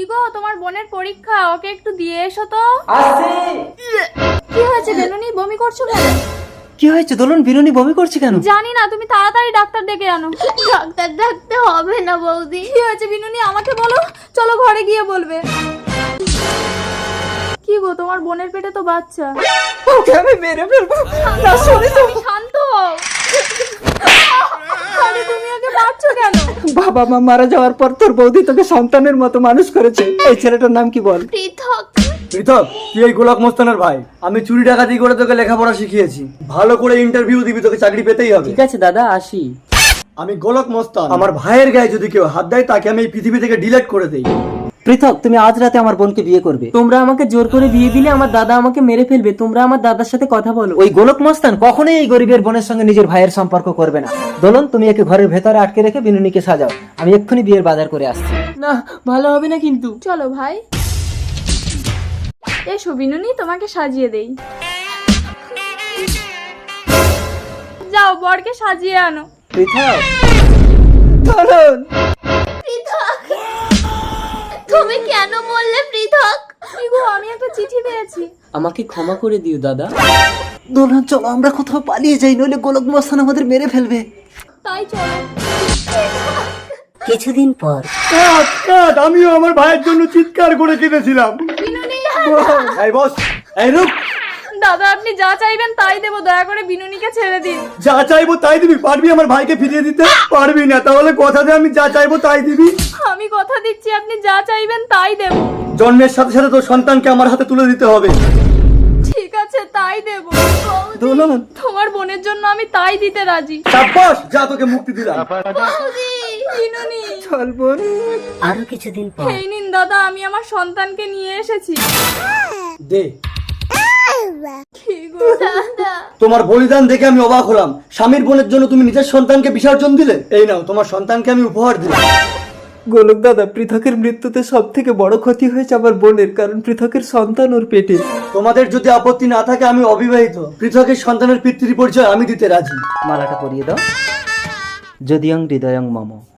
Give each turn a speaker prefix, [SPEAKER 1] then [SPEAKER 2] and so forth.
[SPEAKER 1] কি গো, তোমার বোনের পরীক্ষা, ওকে একটু দিয়ে এসো তো।
[SPEAKER 2] আসছি।
[SPEAKER 1] কি হয়েছে বেলুনি, বমি করছো কেন?
[SPEAKER 2] কি হয়েছে দোলন, বিনুনি বমি করছে কেন?
[SPEAKER 1] জানি না, তুমি তাড়াতাড়ি ডাক্তার ডেকে আনো।
[SPEAKER 3] ডাক্তার ডাকতে হবে না বৌদি।
[SPEAKER 1] কি হয়েছে বিনুনি, আমাকে বলো, চলো ঘরে গিয়ে বলবে। কি গো, তোমার বোনের পেটে তো বাচ্চা।
[SPEAKER 2] ওকে আমি মেরে ফেলবো। না সরি তো।
[SPEAKER 1] তুমি শান্ত হও। আরে তুমি ওকে মারছো কেন?
[SPEAKER 2] বাবা মা মারা যাওয়ার পর তোর বৌদি তোকে সন্তানের মতো মানুষ করেছে। এই ছেলেটার নাম কি বল?
[SPEAKER 3] পৃথক।
[SPEAKER 4] পৃথক, তুই এই গোলাপ মস্তানের ভাই। আমি চুরি ডাকাতি করে তোকে লেখাপড়া শিখিয়েছি। ভালো করে ইন্টারভিউ দিবি, তোকে চাকরি পেতেই হবে।
[SPEAKER 2] ঠিক আছে দাদা, আসি।
[SPEAKER 4] আমি গোলক মস্তান। আমার ভাইয়ের গায়ে যদি কেউ হাত দেয় তাকে আমি এই পৃথিবী থেকে ডিলিট করে দেই।
[SPEAKER 2] পৃথক, তুমি আজ রাতে আমার বোনকে বিয়ে করবে। তোমরা আমাকে জোর করে বিয়ে দিলে আমার দাদা আমাকে মেরে ফেলবে। তোমরা আমার দাদার সাথে কথা বলো। ওই গোলক মস্তান কখনোই এই গরিবের বোনের সঙ্গে নিজের ভাইয়ের সম্পর্ক করবে না। দোলন, তুমি একে ঘরের ভেতরে আটকে রেখে বিনুনিকে সাজাও। আমি এক্ষুনি বিয়ের বাজার করে আসছি। না, ভালো হবে না কিন্তু।
[SPEAKER 1] চলো ভাই, এসো বিনুনি, তোমাকে সাজিয়ে দেই। যাও, বরকে সাজিয়ে আনো।
[SPEAKER 2] পৃথক, দোলন,
[SPEAKER 3] পৃথক, তুমি কেন বললে পৃথক?
[SPEAKER 1] কি গো, আমি একটা চিঠি পেয়েছি।
[SPEAKER 2] আমাকে ক্ষমা করে দিও দাদা। দোলন, চলো আমরা কোথাও পালিয়ে যাই, নইলে গোলক মস্তান আমাদের মেরে ফেলবে।
[SPEAKER 1] তাই চলো।
[SPEAKER 2] কিছুদিন পর
[SPEAKER 4] কাট কাট, আমিও আমার ভাইয়ের জন্য চিৎকার করে কেঁদেছিলাম।
[SPEAKER 1] বিনুনি,
[SPEAKER 4] এই বস, এই রূপ,
[SPEAKER 1] দাদা আপনি যা চাইবেন তাই দেবো, দয়া করে বিনুনিকে ছেড়ে দিন।
[SPEAKER 4] যা চাইবো তাই দিবি? পারবি আমার ভাইকে ফিরিয়ে দিতে? পারবি না, তাহলে কথা দে আমি যা চাইবো তাই দিবি।
[SPEAKER 1] আমি কথা দিচ্ছি, আপনি যা চাইবেন তাই দেবো।
[SPEAKER 4] জন্মের সাথে সাথে তোর সন্তানকে আমার হাতে তুলে দিতে হবে।
[SPEAKER 1] ঠিক আছে, তাই দেবো।
[SPEAKER 2] দোলন,
[SPEAKER 1] তোমার বোনের জন্য আমি তাই দিতে রাজি।
[SPEAKER 4] সাব্বাস, যা তোকে মুক্তি দিলাম।
[SPEAKER 1] বিনুনি,
[SPEAKER 2] চল বোন।
[SPEAKER 5] আরো কিছুদিন পর
[SPEAKER 1] এই নিন দাদা, আমি আমার সন্তানকে নিয়ে এসেছি।
[SPEAKER 4] দে।
[SPEAKER 1] কি গো
[SPEAKER 3] দাদা,
[SPEAKER 4] তোমার বলিদান দেখে আমি অবাক হলাম। স্বামীর বোনের জন্য তুমি নিজের সন্তানকে বিসর্জন দিলে। এই নাও, তোমার সন্তানকে আমি উপহার দিলাম।
[SPEAKER 2] গোলক দাদা, পৃথকের মৃত্যুতে সব থেকে বড় ক্ষতি হয়েছে আমার বোনের, কারণ পৃথকের সন্তান ওর পেটে।
[SPEAKER 4] তোমাদের যদি আপত্তি না থাকে, আমি অবিবাহিত। পৃথকের সন্তানের পিতৃ পরিচয় আমি দিতে রাজি।
[SPEAKER 2] মালাটা পরিয়ে দাও। যদিয়ং হৃদয়ং মম।